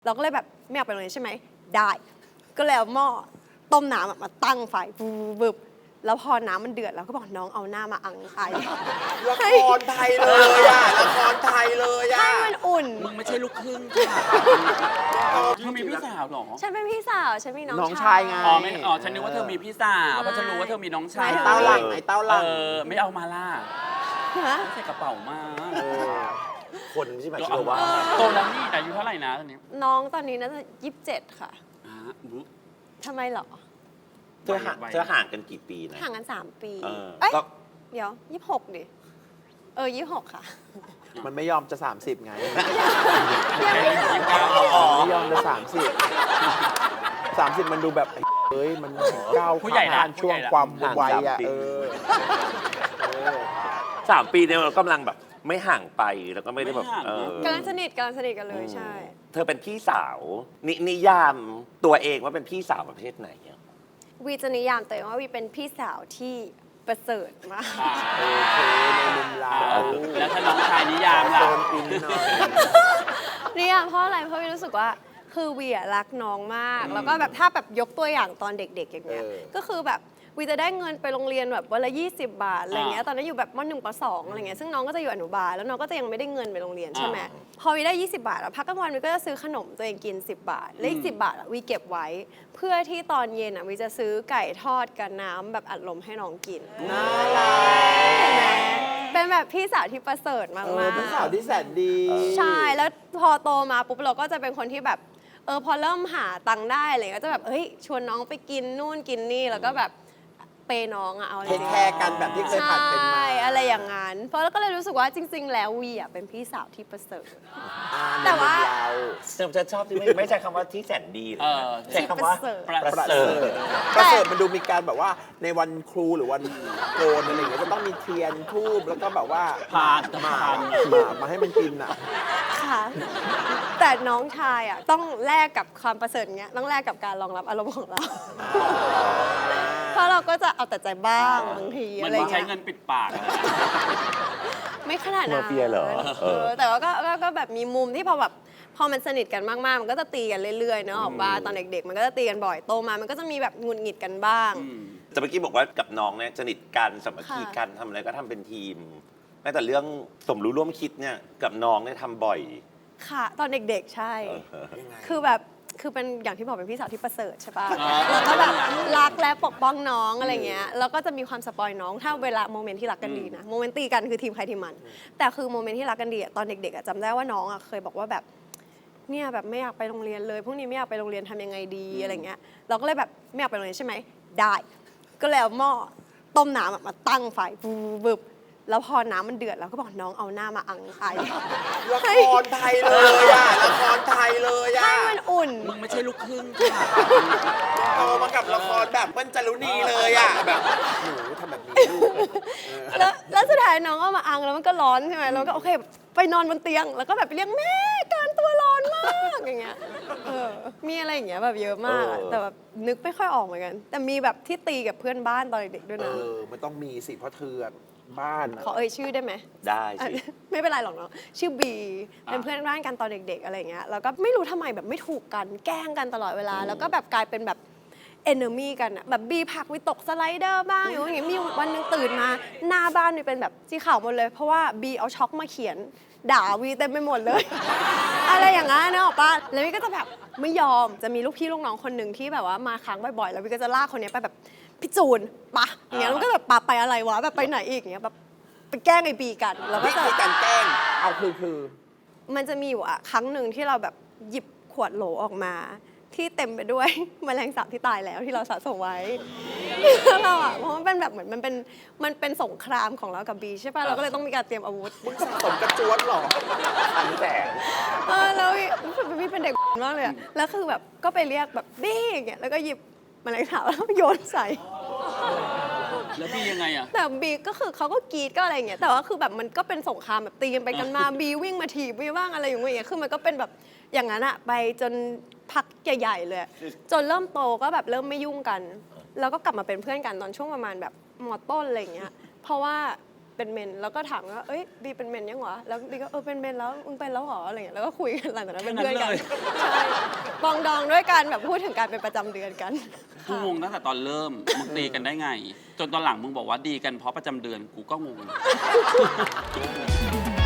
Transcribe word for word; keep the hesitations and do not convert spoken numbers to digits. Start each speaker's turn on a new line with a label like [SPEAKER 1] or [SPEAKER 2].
[SPEAKER 1] เราก็เลยแบบไม่อยากไปโรงเรียนใช่ไหมได้ก็เลยเอาหม้อต้มน้ำมาตั้งไฟบึบแล้วพอน้ำมันเดือดเราก็บอกน้องเอาหน้ามาอังไอ
[SPEAKER 2] ละครไทยเลยอ่ะละครไทยเลยอ่ะ
[SPEAKER 1] ให้มันอุ่น
[SPEAKER 3] มึงไม่ใช่ลูกครึ่งค่ะเธอมีพี่สาวหรอ
[SPEAKER 1] ฉันเป็นพี่สาวฉันมีน้อง
[SPEAKER 2] น้องชายไง
[SPEAKER 3] อ๋อไม่อ๋อฉันนึกว่าเธอมีพี่สาวเพราะฉันรู้ว่าเธอมีน้องชาย
[SPEAKER 2] ไอ้เต้าหลังไอ้เต้าหลัง
[SPEAKER 3] เออไม่เอามาล่ะ
[SPEAKER 1] ฮะ
[SPEAKER 3] ใส่กระเป๋ามา
[SPEAKER 2] คนไม่ใช่หมายถึงว่า
[SPEAKER 3] โตแล้วนี่อายุเท่าไหร่นะตอนนี้
[SPEAKER 1] น้องตอนนี้น่าจะยี่สิบเจ็ดค่ะ
[SPEAKER 3] อ่าบุ๊
[SPEAKER 1] ทำไมเหรอ
[SPEAKER 2] เธอห่างเธอห่างกันกี่ปีนะ
[SPEAKER 1] ห่างกันสามปี
[SPEAKER 2] เออ
[SPEAKER 1] เอ้ย
[SPEAKER 2] ก็
[SPEAKER 1] เดี๋ยวยี่สิบหกดิเออยี่สิบหกค่ะ
[SPEAKER 4] มันไม่ยอมจะ สามสิบ ไง
[SPEAKER 1] ยังไม่ถึง
[SPEAKER 3] ยี่สิบเก้าอ๋อ
[SPEAKER 4] ไม่ยอมจะ สามสิบ สามสิบ มันดูแบบไอ้เอ้ย มันก้าว
[SPEAKER 3] ผู้ใหญ่ละ
[SPEAKER 4] ผ่านช่วงความวัยอ่ะ
[SPEAKER 2] ห่างสามปี
[SPEAKER 4] เออเออ
[SPEAKER 5] สามปีเนี่ยเรากำลังแบบไม่ห่างไปแล้วก็ไม่ได้แบบเออก
[SPEAKER 1] ำลังสนิทกำลังสนิทกันเลยใช่
[SPEAKER 5] เธอเป็นพี่สาวนนิยามตัวเองว่าเป็นพี่สาวประเภทไหนอะ
[SPEAKER 1] วีจะนิยามตัวเองว่าวีเป็นพี่สาวที่ประเสริฐมาก
[SPEAKER 3] อ่า
[SPEAKER 4] โอเคในมุมเรา
[SPEAKER 3] แล้วถ้าน้องชายนิยามล่ะ
[SPEAKER 4] โซนอินหน่อย
[SPEAKER 1] นิยามเพราะอะไรเพราะวีรู้สึกว่าคือวีอะรักน้องมาก แล้วก็แบบถ้าแบบยกตัวอย่างตอนเด็กๆอย่างเงี้ย
[SPEAKER 4] เออ
[SPEAKER 1] ก็คือแบบวีจะได้เงินไปโรงเรียนแบบวันละยี่สิบบาทอะไรเงี้ยตอนนั้นอยู่แบบมหนึ่งปสองอะไรเงี้ยซึ่งน้องก็จะอยู่อนุบาลแล้วน้องก็จะยังไม่ได้เงินไปโรงเรียนใช่ไหมพอวีได้ยี่สิบบาทอะพักกลางวันวีก็จะซื้อขนมตัวเองกินสิบบาทแล้วอีกสิบบาทอะวีเก็บไว้ เพื่อที่ตอนเย็นอะวีจะซื้อไก่ทอดกับน้ำแบบอัดลมให้น้องกิน
[SPEAKER 4] น่ารัก
[SPEAKER 1] เห็นไหมเป็นแบบพี่สาวที่ประเสริฐมาก
[SPEAKER 4] เอ
[SPEAKER 1] ๆ
[SPEAKER 4] อเป็นสาวที่แสนดี
[SPEAKER 1] ใช่แล้วพอโตมาปุ๊บเราก็จะเป็นคนที่แบบเออพอเริ่มหาตังค์ได้อะไรก็จะแบบเฮ้ยชวนน้องไปกินนู่นกินนี่แล้วก็แบบเปย์น้องอะเอาอะไร
[SPEAKER 4] เทคแคร์กันแบบที่เคยผ่านเป็นมา
[SPEAKER 1] ใช่อะไรอย่างนั้นเพราะแล้วก็เลยรู้สึกว่าจริง ๆ แล้ววีอะเป็นพี่สาวที่ประเสริฐ
[SPEAKER 4] อ่า
[SPEAKER 1] แต่ว่า
[SPEAKER 4] ในมุมเรา
[SPEAKER 5] ฉันชอบที่ไม่ไม่ใช่คำว่าที่แสนดีเลย
[SPEAKER 3] เออ
[SPEAKER 5] ใช้คำว่า
[SPEAKER 1] ที่ประเสริฐ
[SPEAKER 3] ประ
[SPEAKER 4] ประ
[SPEAKER 3] เส
[SPEAKER 4] เส
[SPEAKER 3] ริ
[SPEAKER 4] ริ
[SPEAKER 3] ฐ
[SPEAKER 4] ฐประเสริฐมันดูมีการแบบว่าในวันครูหรือวันโกนอะไรอย่างเงี้ยจะต้องมีเทียนทูบแล้วก็แบบว่า
[SPEAKER 3] พาน
[SPEAKER 4] หมา
[SPEAKER 3] พาน
[SPEAKER 4] หมามาให้มันกินอ่ะ
[SPEAKER 1] ค่ะ แต่น้องชายอะต้องแลกกับความประเสริฐเงี้ยต้องแลกกับการรองรับอารมณ์ของเรา เพราะเราก็จะเอาแต่ใจบ้างบางที
[SPEAKER 3] มั
[SPEAKER 1] อะ
[SPEAKER 3] น
[SPEAKER 1] ไร
[SPEAKER 3] มีใช้
[SPEAKER 1] เงี้ย
[SPEAKER 3] เงินปิดปากอะ
[SPEAKER 1] ไม่ขนาดนั้น
[SPEAKER 5] มาเฟียเหรอ
[SPEAKER 1] เอ
[SPEAKER 5] เอ
[SPEAKER 1] อ
[SPEAKER 5] อ
[SPEAKER 1] แต่ว่าก็ก็ก็แบบมีมุมที่พอแบบพอมันสนิทกันมากๆ มันก็จะตีกันเรื่อยๆเนอะออกว่าตอนเด็กๆ มันก็จะตีกันบ่อยโตมามันก็จะมีแบบหงุดหงิดกันบ้าง
[SPEAKER 5] แต่เมื่อกี้บอกว่ากับน้องเนี่ยสนิทกันสามัคคี
[SPEAKER 1] ค่ะ
[SPEAKER 5] กันทำอะไรก็ทำเป็นทีมแม้แต่เรื่องสมรู้ร่วมคิดเนี่ยกับน้องเนี่ยทำบ่อย
[SPEAKER 1] ค่ะ ตอนเด็กๆ ใช่
[SPEAKER 5] เออ
[SPEAKER 1] คือแบบคือเป็นอย่างที่บอกเป็นพี่สาวที่ประเสริฐใช่ปะ
[SPEAKER 3] อ่า
[SPEAKER 1] แล้วก็แบบรักและปกป้องน้องอะไรเงี้ยแล้วก็จะมีความสปอยน้องถ้าเวลาโมเมนต์ที่รักกันดีนะโมเมนต์ตีกันคือทีมใครทีมมัน แต่คือโมเมนต์ที่รักกันดีอะตอนเด็กๆอะจำได้ว่าน้องอะเคยบอกว่าแบบเนี่ยแบบไม่อยากไปโรงเรียนเลยพรุ่งนี้ไม่อยากไปโรงเรียนทำยังไงดีอะไรเงี้ยเราก็เลยแบบไม่อยากไปโรงเรียนใช่ไหมได้ก็เลยเอาหม้อต้มน้ำอะมาตั้งไฟบึบแล้วพอน้ำมันเดือดเราก็บอกน้องเอาหน้ามาอังไอ
[SPEAKER 2] ละครไทยเลยอ่ะละครไทยเลยอ่ะ
[SPEAKER 1] ให้มันอุ่น
[SPEAKER 3] มึงไม่ใช่ลูกครึ่งค่ะ
[SPEAKER 2] โตมากับละครแบบเปิ้ลจารุณีเลยอ่ะแบบ
[SPEAKER 4] หนูทำแบบนี้ลูก
[SPEAKER 1] แล้วแล้วสุดท้ายน้องก็มาอังแล้วมันก็ร้อนใช่ไหมเราก็โอเคไปนอนบนเตียง แล้วก็แบบไปเรียกแม่การตัวร้อนมากอย่างเงี้ยเออมีอะไรอย่างเงี้ยแบบเยอะมากอะ
[SPEAKER 5] เออ
[SPEAKER 1] แต่แบบนึกไม่ค่อยออกเหมือนกัน แต่มีแบบที่ตีกับเพื่อนบ้านตอนเด็กๆด้วย
[SPEAKER 4] เอ
[SPEAKER 1] นะ
[SPEAKER 4] อ มันต้องมีสิเพราะเธอบ้านอะ
[SPEAKER 1] ขอเอ่ยชื่อได้ไหม
[SPEAKER 5] ได้
[SPEAKER 1] อ่ะ
[SPEAKER 5] สิ
[SPEAKER 1] ไม่เป็นไรหรอกเนาะชื่อบีเป็นเพื่อนบ้านกันตอนเด็กๆอะไรเงี้ยแล้วก็ไม่รู้ทำไมแบบไม่ถูกกันแกล้งกันตลอดเวลา แล้วก็แบบกลายเป็นแบบเอนเนอร์มี่กันอะแบบบีผลักวิตกสไลเดอร์บ้างอย่างเงี้ยมีวันหนึงตื่นมาหน้าบ้านนี่เป็นแบบสีขาวหมดเลย เพราะว่าบีเอาช็อกมาเขียนด่าวีเต็มไปหมดเลย อะไรอย่างงั้นเนอะป้าแล้ววีก็จะแบบไม่ยอมจะมีลูกพี่ลูกน้องคนหนึ่งที่แบบว่ามาค้างบ่อยๆแล้ววีก็จะลากคนเนี้ยไปแบบพี่จูนปะอย่างเงี้ยแล้วก็แบบปะไปอะไรวะแบบไปไหนอีกอย่างเงี้ยแบบไปแกล้งไอ้บีกันแล้วก็
[SPEAKER 2] วิ
[SPEAKER 1] จะ
[SPEAKER 2] ธีการแกล้ง
[SPEAKER 4] เอาคือคือ
[SPEAKER 1] มันจะมีอยู่อะครั้งหนึ่งที่เราแบบหยิบขวดโหลออกมา ที่เต็มไปด้วย แมลงสาบที่ตายแล้วที่เราสะสมไว้ แล้วเราอะเพราะมันเป็นแบบเหมือนมันเป็นมันเป็นสงครามของเรากับบีใช่ป่ะเราก็เลยต้องมีการเตรียมอาวุธ
[SPEAKER 4] มึงสะสมกระจวนเหรอ
[SPEAKER 5] อันแสน
[SPEAKER 1] เออแล้วพี่เป็นเด็กมากเลยอะแล้วคือแบบก็ไปเรียกแบบบี้อย่างเงี้ยแล้วก็หยิบแมลงสาบแล้วโยนใส่
[SPEAKER 3] แล้วพี่ยังไงอ่ะ
[SPEAKER 1] แต่บีก็คือเขาก็กรีดก็อะไรอย่างเงี้ยแต่ว่าคือแบบมันก็เป็นสงครามแบบตีกันไปกันมาบีวิ่งมาถีบบีบ้างอะไรอย่างเงี้ยคือมันก็เป็นแบบอย่างนั้นอะไปจนพักใหญ่ๆเลย จนเริ่มโตก็แบบเริ่มไม่ยุ่งกัน แล้วก็กลับมาเป็นเพื่อนกันตอนช่วงประมาณแบบมอต้นอะไรอย่างเงี้ยเพราะว่าเป็นเมนแล้วก็ถามว่าเอ้ยบีเป็นเมนยังวะแล้วบีก็เออเป็นเมนแล้วมึงเป็นแล้วเหรออะไรเงี้ยแล้วก็คุยกันหลังจากนั้นเป็นเพื่อนกันใช่ปองดองด้วยกันแบบพูดถึงการเป็นประจำเดือนกัน
[SPEAKER 3] กูงงตั้งแต่ตอนเริ่มมึงตีกันได้ไง จนตอนหลังมึงบอกว่าดีกันเพราะประจำเดือนกูก็งง